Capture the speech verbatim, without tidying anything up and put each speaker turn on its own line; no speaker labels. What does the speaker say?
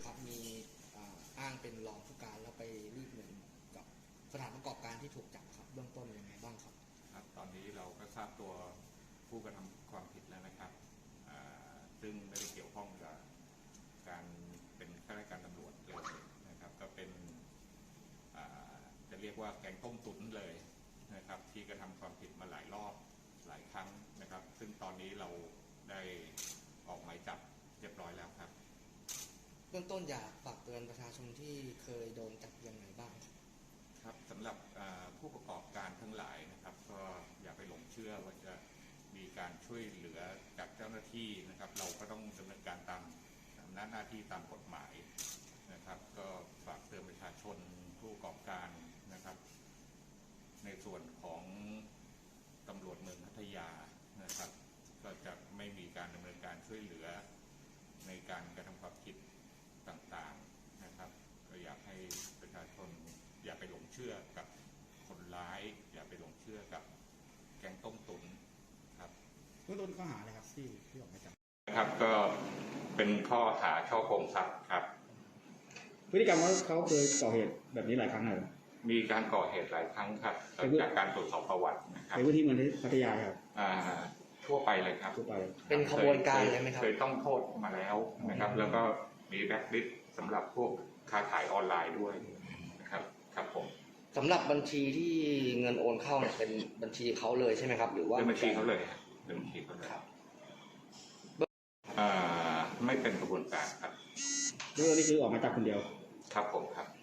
ครับมีอ้างเป็นรองผู้การแล้วไปรีดเงินกับสถานประกอบการที่ถูกจับครับเบื้องต้นยังไงบ้างครับ
ครับตอนนี้เราก็ทราบตัวผู้กระทำความผิดแล้วนะครับซึ่งไม่ได้เกี่ยวข้องกับการเป็นข้าราชการตำรวจเลยนะครับก็เป็นจะเรียกว่าแก๊งต้มตุ๋นเลยนะครับที่กระทำความผิดมาหลายรอบหลายครั้งนะครับซึ่งตอนนี้เราได้ออกหมายจับเรียบร้อยแล้วครับ
เบื้องต้นอยากฝากเตือนประชาชนที่เคยโดนจับยังไงบ้าง
ครับสำหรับผู้ประกอบการทั้งหลายนะครับก็อย่าไปหลงเชื่อว่าจะมีการช่วยเหลือจากเจ้าหน้าที่นะครับเราก็ต้องดำเนินการตามอำนาจหน้าที่ตามกฎหมายนะครับก็ฝากเตือนประชาชนผู้ประกอบการนะครับในส่วนของตำรวจเมืองพัทยานะครับก็จะไม่มีการดำเนินการช่วยเหลือในการกระทำความผิดต่างๆนะครับก็อยากให้ประชาชนอย่าไปหลงเชื่อกับคนร้ายอย่าไปหลงเชื่อกับแก๊งต้มตุ๋นครับ
เบื้องต้นข้อหาอะไรครับที่ที่ออกหมายจับ
นะครับก็เป็นข้อหาช่อโกงทรัพย์ครับ
พฤติกรรมว่าเขาเคยก่อเหตุแบบนี้หลายครั้งเลย
มีการก่อเหตุหลายครั้งครับจากการตรวจสอบประวัตินะครับ
ในพื้นที่เมืองพัทยาครับ
ทั่วไปเลยครับ
ทั่วไป
เป็นขบวนการเลยไหมครับ
เคยต้องโทษมาแล้วนะครับแล้วก็มีแบ็คลิสต์สำหรับพวกค้าขายออนไลน์ด้วยนะครับครับผม
สำหรับบัญชีที่เงินโอนเข้าเนี่ยเป็นบัญชีเขาเลยใช่ไหมครับหรือว่า
เป็นบัญชีเขาเลยเป็นบัญชีเขาเลยไม่เป็นกระบวนการครับ
เรื่องนี้คือออกมาจากคนเดียว
ครับผมครับ